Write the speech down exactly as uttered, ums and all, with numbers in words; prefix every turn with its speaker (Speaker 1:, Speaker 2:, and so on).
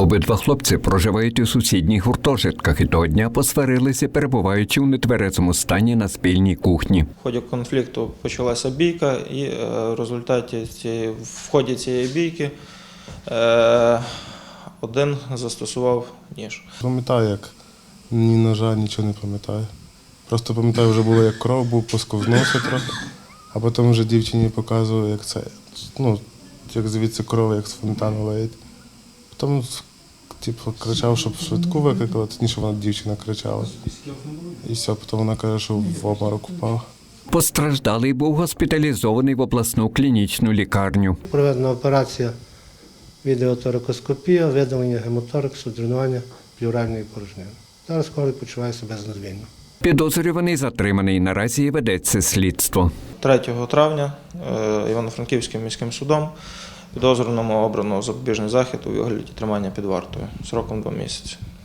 Speaker 1: Обидва хлопці проживають у сусідніх гуртожитках і того дня посварилися, перебуваючи у нетверезому стані на спільній кухні.
Speaker 2: В ході конфлікту почалася бійка, і в результаті цієї, в ході цієї бійки один застосував ніж.
Speaker 3: Пам'ятаю, як ні ножа, нічого не пам'ятаю. Просто пам'ятаю, вже було, як кров був, посковзнувся трохи, а потім вже дівчині показував, як це, ну, як звідси кров, як з фонтану леють. Потім типу, кричав, щоб швидку викликали, тоді вона дівчина кричала. І все, потім вона каже, що в обморок упав.
Speaker 1: Постраждалий був госпіталізований в обласну клінічну лікарню.
Speaker 4: Проведена операція відеоторакоскопія, видалення гемотораксу, дренування плевральної порожнини. Зараз хворий почуває себе знадвільно.
Speaker 1: Підозрюваний затриманий. Наразі ведеться слідство.
Speaker 2: третього травня Івано-Франківським міським судом підозрюваному обрано запобіжний захід у вигляді тримання під вартою сроком два місяці.